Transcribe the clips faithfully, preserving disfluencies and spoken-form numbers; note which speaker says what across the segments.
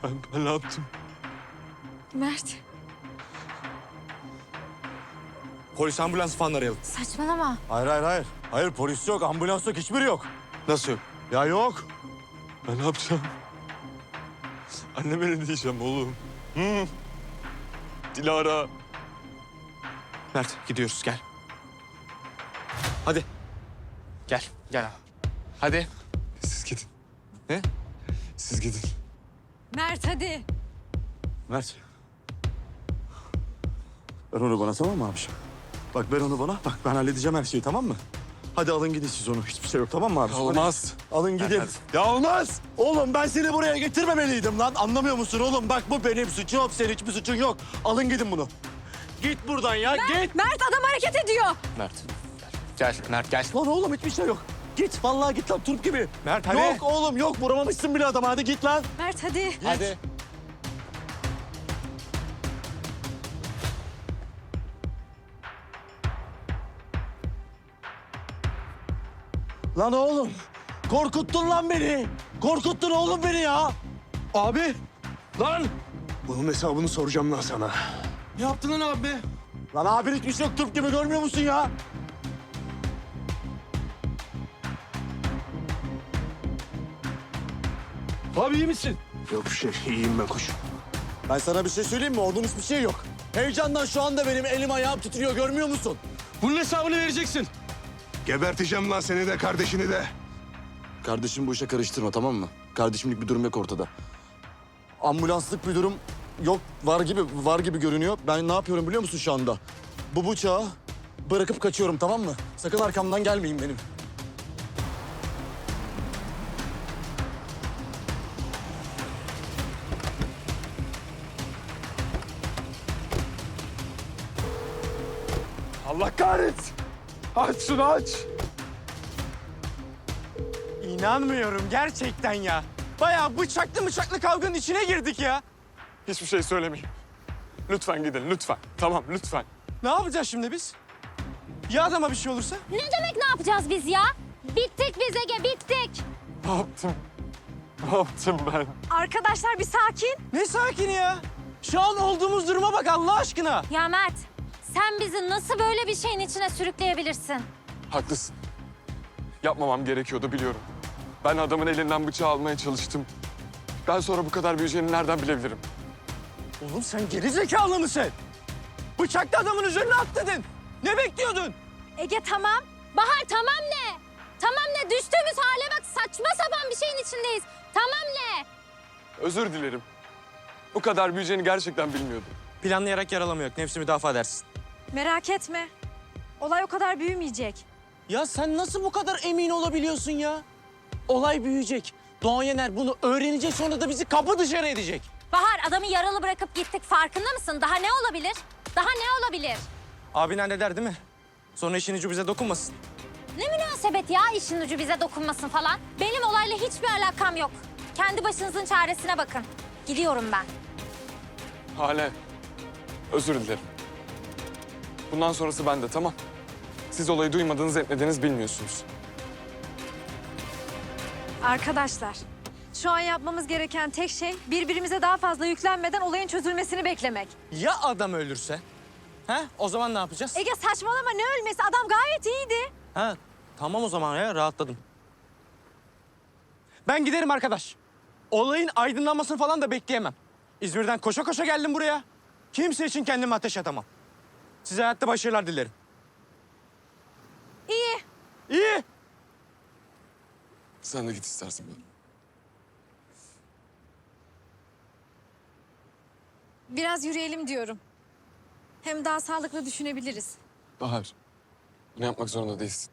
Speaker 1: Ben, ben ne yaptım?
Speaker 2: Mert.
Speaker 1: Polis ambulans falan arayalım.
Speaker 2: Saçmalama.
Speaker 3: Hayır hayır hayır. Hayır polis yok, ambulans yok, hiçbiri yok.
Speaker 1: Nasıl yok?
Speaker 3: Ya yok.
Speaker 1: Ben ne yapacağım? Anneme ne diyeceğim oğlum? Hı? Dilara. Mert gidiyoruz gel. Hadi. Gel gel. Hadi. Siz gidin. Ne? Siz gidin.
Speaker 2: Mert hadi.
Speaker 3: Mert. Ver onu bana tamam mı abiciğim? Bak ver onu bana. Bak ben halledeceğim her şeyi tamam mı? Hadi alın gidin siz onu. Hiçbir şey yok tamam mı abiciğim?
Speaker 1: Olmaz.
Speaker 3: Hadi. Alın gidin.
Speaker 1: Hadi.
Speaker 3: Ya olmaz. Oğlum ben seni buraya getirmemeliydim lan. Anlamıyor musun oğlum? Bak bu benim suçum. Senin hiçbir suçun yok. Alın gidin bunu. Git buradan ya git.
Speaker 2: Mert adam hareket ediyor.
Speaker 1: Mert. Gel. Gel Mert gel.
Speaker 3: Lan oğlum hiçbir şey yok. Git vallahi git lan turp gibi.
Speaker 1: Mert hadi.
Speaker 3: Yok oğlum yok vuramamışsın bile adama. Hadi git lan.
Speaker 2: Mert hadi.
Speaker 1: Hadi.
Speaker 3: Lan oğlum korkuttun lan beni. Korkuttun oğlum beni ya.
Speaker 1: Abi. Lan. Bunun hesabını soracağım lan sana.
Speaker 3: Ne yaptın lan abi? Lan abin hiçbir şey yok turp gibi görmüyor musun ya?
Speaker 1: Abi iyi misin? Yok bir şey. İyiyim ben koş.
Speaker 3: Ben sana bir şey söyleyeyim mi? Ordun hiçbir şey yok. Heyecandan şu anda benim elim ayağım titriyor görmüyor musun?
Speaker 1: Bunun hesabını vereceksin.
Speaker 4: Geberteceğim lan seni de kardeşini de.
Speaker 3: Kardeşim bu işe karıştırma tamam mı? Kardeşimlik bir durum yok ortada. Ambulanslık bir durum yok var gibi var gibi görünüyor. Ben ne yapıyorum biliyor musun şu anda? Bu bıçağı bırakıp kaçıyorum tamam mı? Sakın arkamdan gelmeyin benim.
Speaker 1: Allah kahretsin. Aç şunu aç.
Speaker 5: İnanmıyorum gerçekten ya. Bayağı bıçaklı bıçaklı kavganın içine girdik ya.
Speaker 1: Hiçbir şey söylemeyin. Lütfen gidin lütfen. Tamam lütfen.
Speaker 5: Ne yapacağız şimdi biz? Ya adama bir şey olursa?
Speaker 2: Ne demek ne yapacağız biz ya? Bittik biz Ege bittik.
Speaker 1: Ne yaptım? Ne yaptım ben?
Speaker 2: Arkadaşlar bir sakin.
Speaker 5: Ne sakin ya? Şu an olduğumuz duruma bak Allah aşkına.
Speaker 2: Ya Mert sen bizi nasıl böyle bir şeyin içine sürükleyebilirsin?
Speaker 1: Haklısın. Yapmamam gerekiyordu biliyorum. Ben adamın elinden bıçağı almaya çalıştım. Ben sonra bu kadar büyüyeceğini nereden bilebilirim?
Speaker 5: Oğlum sen geri zekalı mısın? Bıçaklı adamın üzerine atladın. Ne bekliyordun?
Speaker 2: Ege tamam. Bahar tamam ne? Tamam ne? Düştüğümüz hale bak saçma sapan bir şeyin içindeyiz. Tamam ne?
Speaker 1: Özür dilerim. Bu kadar büyüyeceğini gerçekten bilmiyordum.
Speaker 5: Planlayarak yaralama yok. Nefsi müdafaa edersin.
Speaker 2: Merak etme. Olay o kadar büyümeyecek.
Speaker 5: Ya sen nasıl bu kadar emin olabiliyorsun ya? Olay büyüyecek. Doğan Yener bunu öğrenecek sonra da bizi kapı dışarı edecek.
Speaker 2: Bahar adamı yaralı bırakıp gittik farkında mısın? Daha ne olabilir? Daha ne olabilir?
Speaker 5: Abin halleder değil mi? Sonra işin ucu bize dokunmasın.
Speaker 2: Ne münasebet ya işin ucu bize dokunmasın falan. Benim olayla hiçbir alakam yok. Kendi başınızın çaresine bakın. Gidiyorum ben.
Speaker 1: Hale, özür dilerim. Bundan sonrası bende, tamam. Siz olayı duymadınız, etmediniz, bilmiyorsunuz.
Speaker 2: Arkadaşlar, şu an yapmamız gereken tek şey birbirimize daha fazla yüklenmeden olayın çözülmesini beklemek.
Speaker 5: Ya adam ölürse? Ha? O zaman ne yapacağız?
Speaker 2: Ege saçmalama ne ölmesi? Adam gayet iyiydi.
Speaker 5: Ha, tamam o zaman ya rahatladım. Ben giderim arkadaş. Olayın aydınlanmasını falan da bekleyemem. İzmir'den koşa koşa geldim buraya. Kimse için kendimi ateş atamam. Size hayatta başarılar dilerim.
Speaker 2: İyi.
Speaker 5: İyi.
Speaker 1: Sen de git istersen ben.
Speaker 2: Biraz yürüyelim diyorum. Hem daha sağlıklı düşünebiliriz.
Speaker 1: Bahar, bunu yapmak zorunda değilsin.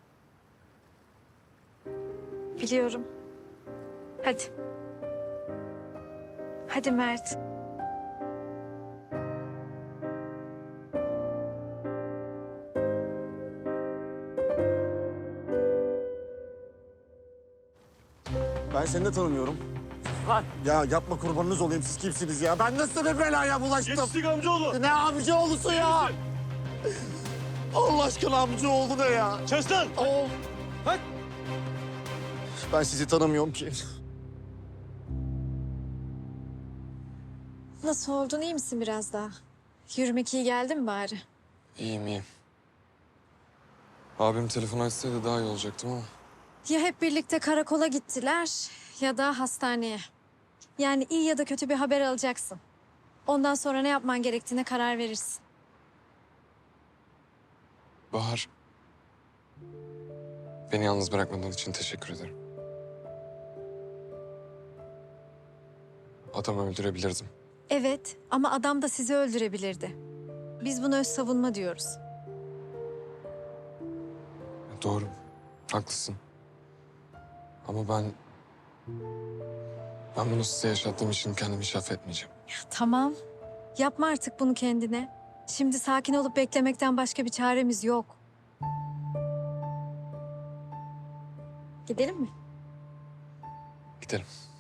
Speaker 2: Biliyorum. Hadi. Hadi Mert.
Speaker 3: Ben seni de tanımıyorum.
Speaker 5: Lan.
Speaker 3: Ya yapma kurbanınız olayım siz kimsiniz ya? Ben nasıl bir belaya bulaştım?
Speaker 5: Geçtik amcaoğlu.
Speaker 3: Ne amcaoğlusu ya? Allah aşkına amcaoğlu ne ya?
Speaker 5: Kes lan.
Speaker 3: Oh.
Speaker 5: Bak.
Speaker 3: Ben sizi tanımıyorum ki.
Speaker 6: Nasıl oldun, iyi misin biraz daha? Yürümek iyi geldi mi bari?
Speaker 1: İyiyim iyiyim. Abim telefon açsaydı daha iyi olacaktım ama.
Speaker 6: Ya hep birlikte karakola gittiler ya da hastaneye. Yani iyi ya da kötü bir haber alacaksın. Ondan sonra ne yapman gerektiğine karar verirsin.
Speaker 1: Bahar. Beni yalnız bırakmadığın için teşekkür ederim. Adamı öldürebilirdim.
Speaker 6: Evet ama adam da sizi öldürebilirdi. Biz buna öz savunma diyoruz.
Speaker 1: Doğru. Haklısın. Ama ben... Ben bunu size yaşattığım için kendimi hiç affetmeyeceğim.
Speaker 6: Tamam. Yapma artık bunu kendine. Şimdi sakin olup beklemekten başka bir çaremiz yok. Gidelim mi?
Speaker 1: Gidelim.